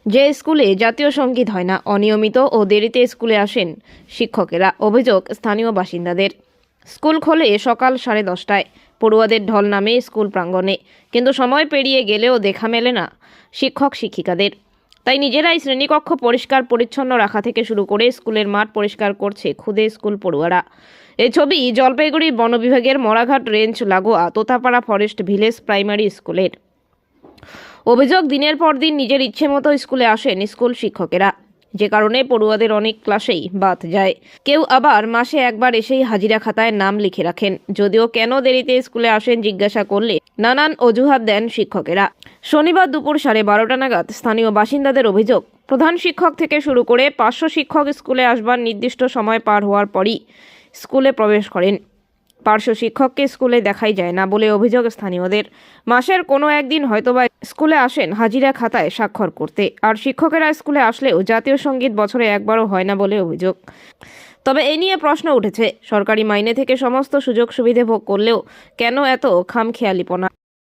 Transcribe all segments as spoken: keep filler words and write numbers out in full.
যে স্কুলে জাতীয় সঙ্গীত হয় না, অনিয়মিত ও দেরিতে স্কুলে আসেন শিক্ষকেরা। অভিযোগ স্থানীয় বাসিন্দাদের। স্কুল খোলে সকাল সাড়ে দশটায়, পড়ুয়াদের ঢল নামে স্কুল প্রাঙ্গণে, কিন্তু সময় পেরিয়ে গেলেও দেখা মেলে না শিক্ষক শিক্ষিকাদের। তাই নিজেরাই শ্রেণীকক্ষ পরিষ্কার পরিচ্ছন্ন রাখা থেকে শুরু করে স্কুলের মাঠ পরিষ্কার করছে খুদে স্কুল পড়ুয়ারা। এই ছবি জলপাইগুড়ি বন বিভাগের মরাঘাট রেঞ্জ লাগোয়া তোতাপাড়া ফরেস্ট ভিলেজ প্রাইমারি স্কুলের। অভিযোগ, দিনের পর দিন নিজের ইচ্ছে মতো স্কুলে আসেন স্কুল শিক্ষকেরা, যে কারণে পড়ুয়াদের অনেক ক্লাসেই বাদ যায়। কেউ আবার মাসে একবার এসেই হাজিরা খাতায় নাম লিখে রাখেন। যদিও কেন দেরিতে স্কুলে আসেন জিজ্ঞাসা করলে নানান অজুহাত দেন শিক্ষকেরা। শনিবার দুপুর সাড়ে বারোটা নাগাদ স্থানীয় বাসিন্দাদের অভিযোগ, প্রধান শিক্ষক থেকে শুরু করে পাঁচশো শিক্ষক স্কুলে আসবার নির্দিষ্ট সময় পার হওয়ার পরই স্কুলে প্রবেশ করেন। পার্শ্ব শিক্ষককে স্কুলে দেখাই যায় না বলে অভিযোগ স্থানীয়দের। মাসের কোনো একদিন হয়তোবা স্কুলে আসেন হাজিরা খাতায় স্বাক্ষর করতে, আর শিক্ষকেরা স্কুলে আসলেও জাতীয় সঙ্গীত বছরে একবারও হয় না বলে অভিযোগ। তবে এ নিয়ে প্রশ্ন উঠেছে, সরকারি মাইনে থেকে সমস্ত সুযোগ সুবিধে ভোগ করলেও কেন এত খামখেয়ালিপনা?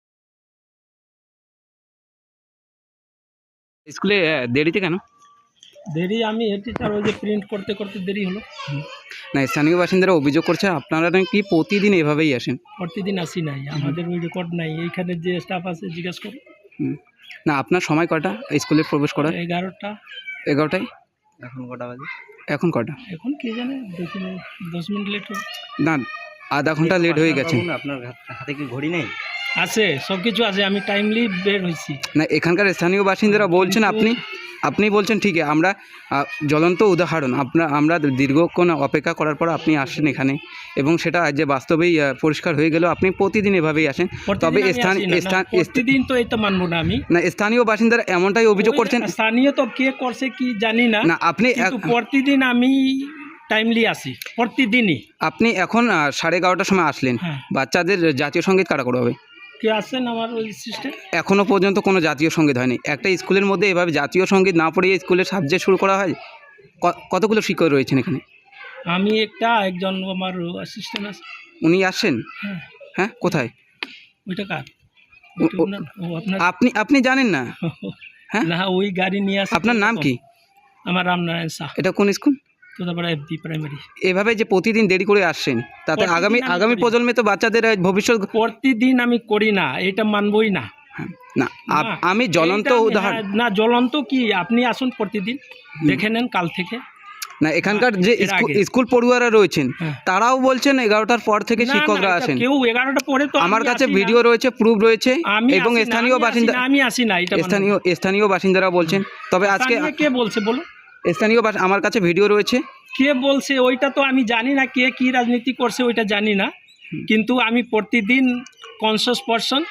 স্কুলে আহ, দেরিতে কেন? দেরি আমি হেড টিচার, ওই যে প্রিন্ট করতে করতে দেরি হলো। না, স্থানীয় বাসিন্দারা অভিযোগ করছে আপনারা নাকি প্রতিদিন এভাবেই আসেন। প্রতিদিন আসি নাই, আমাদের ওই রেকর্ড নাই। এইখানে যে স্টাফ আছে জিজ্ঞেস করো। হুম। না, আপনার সময় কটা স্কুলে প্রবেশ করার? এগারোটা। এগারোটায়। এখন কটা বাজে? এখন কটা? এখন কে জানে, দশ মিনিট দশ মিনিট লেট হবে। না, আধা ঘন্টা লেট হয়ে গেছে। আপনার হাত- হাতে কি ঘড়ি নেই? আছে, সব কিছু আছে, আমি টাইমলি বের হয়েছি। না, এখানকার স্থানীয় বাসিন্দারা বলছেন আপনি আপনি বলছেন ঠিকই, আমরা আহ, জ্বলন্ত উদাহরণ। আপনার আমরা দীর্ঘক্ষণ অপেক্ষা করার পর আপনি আসেন এখানে, এবং সেটা যে বাস্তবেই আহ, পরিষ্কার হয়ে গেল। আপনি প্রতিদিন এভাবেই আসেন। তবে প্রতিদিন আমি স্থান আসি না, না, স্থান প্রতিদিন তো এই তো মানবো না আমি। না, স্থানীয় বাসিন্দারা এমনটাই অভিযোগ ওই করছেন। স্থানীয় তো কে করছে কি জানি না, না, আপনি কিন্তু এক- প্রতিদিন আমি টাইমলি আসি, প্রতিদিনই। আপনি এখন আহ, সাড়ে এগারোটার সময় আসলেন। হ্যাঁ। বাচ্চাদের জাতীয় সঙ্গীত কারা করবে? কে আসেন আমার ওই সিস্টেম? এখনো পর্যন্ত কোনো জাতীয় সঙ্গীত হয়নি। একটা স্কুলের মধ্যে এভাবে জাতীয় সঙ্গীত না পড়িয়ে স্কুলের সাবজেক্ট শুরু করা হয়? ক- কতগুলো শিক্ষক রয়েছেন এখানে? আমি একটা, একজন আমার অ্যাসিস্ট্যান্ট আছে। উনি আসছেন? হ্যাঁ। হ্যাঁ, কোথায়? ওইটা কার? ও- ওইটা ও- ওনার- ও আপনার? আপনি আপনি জানেন না? হ্যাঁ? না, ওই গাড়ি নিয়ে আসে। আপনার নাম কি? আমার রামনারায়ণ শাহ, এটা কোন school? Totapara F D primary. এভাবে যে প্রতিদিন দেরি করে আসছেন, তাতে প্রতিদিন আগামী আমি আগামী করি। প্রজন্মে তো বাচ্চাদের আহ, ভবিষ্যৎ। প্রতিদিন আমি করি না, এটা মানবই না। না, আপ- না, আমি জ্বলন্ত এইটা আমি- উদাহরণ। হ্যাঁ, না জ্বলন্ত কি, আপনি আসুন প্রতিদিন, দেখে নেন কাল থেকে। না, এখানকার যে এর স্কুল- আগে। স্কুল পড়ুয়ারা রয়েছেন, হ্যাঁ। তারাও বলছেন এগারোটার পর থেকে না, না, শিক্ষকরা এটা আসেন। কেউ এগারোটা পরে তো আমার আমি কাছে আসি না। ভিডিও রয়েছে, প্রুফ রয়েছে, আমি এবং আসি না, স্থানীয় আমি আসি বাসিন্দা না, আমি আসি না, এটা মানবো না। স্থানীয় স্থানীয় বাসিন্দারা বলছেন। তবে আজকে স্থানীয় কে বলছে বলো? স্থানীয় বাস- আমার কাছে ভিডিও রয়েছে। কে বলছে ওইটা তো আমি জানি না, কে কি রাজনীতি করছে ওইটা জানি না, কিন্তু আমি প্রতিদিন কনসিয়াস পারসন,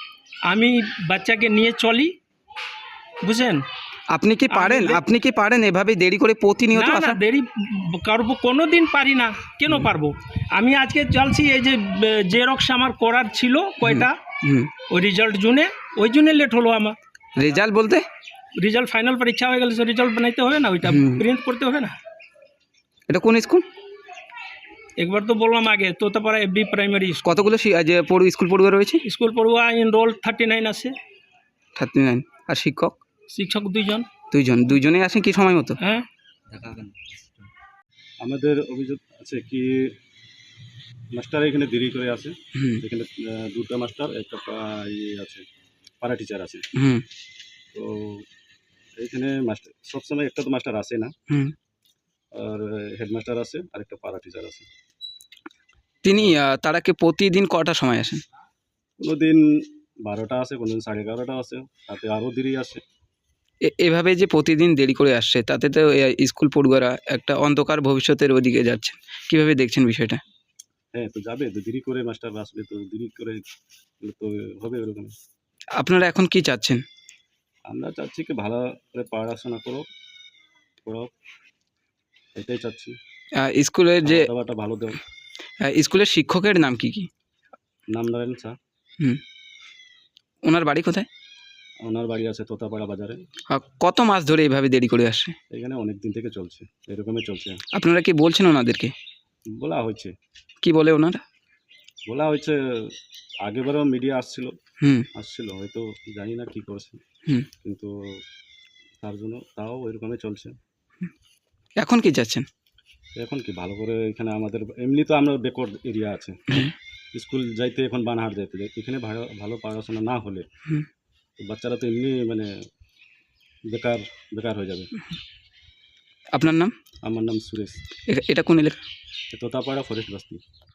আমি বাচ্চাকে নিয়ে চলি, বুঝেন? আপনি কি পারেন আমি- আপনি কি পারেন এভাবে দেরি করে প্রতিনিয়ত না না, আসা? দেরি করবো কোনো দিন পারি না, কেন পারবো? আমি আজকে চলছি, এই যে জেরক্স আমার করার ছিল কয়টা, হুম। ওই রেজাল্ট জুনে, ওই জন্য লেট হলো আমার। রেজাল্ট বলতে? রেজাল্ট ফাইনাল পরীক্ষা হয়ে গেলে রেজাল্ট বানাইতে হবে না, ওইটা হুম। প্রিন্ট করতে হবে না। এটা কোন স্কুল? একবার তো বললাম আগে, তোতাপাড়া এফ বি প্রাইমারি কতগুলো শি- যে পড়ু স্কুল পড়ুয়া রয়েছে? স্কুল পড়ুয়া এনরোল থার্টি নাইন আছে, থার্টি নাইন। আর শিক্ষক? শিক্ষক দুইজন। দুইজন। দুইজনেই আসেন কি সময় মতো? হ্যাঁ, আমাদের অভিযোগ আছে কি মাস্টার এখানে দেরি করে আসে। হুম এখানে আহ, দুটো মাস্টার, একটা পা- ইয়ে আছে, পাড়া টিচার আছে। হুম তো এখানে মাস্টার সবসময় একটা তো মাস্টার আসে না, হুম। আর হেডমাস্টার আছে আর একটা পাড়া টিচার আছে। তিনি আহ, তারা কি প্রতিদিন কটার সময় আসেন? কোনো দিন বারোটা আসে, কোনো দিন সাড়ে এগারোটা আসে, তাতে আরও দেরি আসে। এ- এভাবে যে প্রতিদিন দেরি করে আসছে, তাতে তো এ, স্কুল পড়ুয়ারা একটা অন্ধকার ভবিষ্যতের ওদিকে যাচ্ছেন। কিভাবে দেখছেন বিষয়টা? হ্যাঁ, তো যাবে তো, দেরি করে মাস্টার আসলে তো দেরি করে গেলে তো হবে এরকম। আপনারা এখন কি চাচ্ছেন? আমরা চাচ্ছি কি ভালো করে পড়াশোনা করো, পড়ো, এটাই চাচ্ছি। আহ, স্কুলের যে খাওয়া দাওয়াটা ভালো দাও। আহ, স্কুলের শিক্ষকের নাম কি কি? নামনারায়ণ শাহ। হুম। ওনার বাড়ি কোথায়? ওনার বাড়ি আছে তোতাপাড়া বাজারে। আহ, কত মাস ধরে এইভাবে দেরি করে আসছে? এখানে অনেক দিন থেকে চলছে, এরকমই চলছে। আপনারা কি বলছেন ওনাদেরকে? বলা হয়েছে কি বলে ওনারা? বলা হয়েছে আগেবারও মিডিয়া আসছিল হুম আসছিল হয়তো জানি না কি করছে, হুম। কিন্তু তার জন্য তাও ওইরকমই চলছে। এখন কি চাচ্ছেন? এখন কি ভালো করে এখানে আমাদের এমনি তো আমরা বেকওয়ার্ড এরিয়া আছে, স্কুল যাইতে এখন বানহাট যাইতে যাই, এখানে ভালো ভালো পড়াশোনা না হলে হুম। তো বাচ্চারা তো এমনি মানে বেকার বেকার হয়ে যাবে। আপনার নাম? আমার নাম সুরেশ, এটা- এটা কোন এলাকা? তোতাপাড়া ফরেস্ট বস্তি।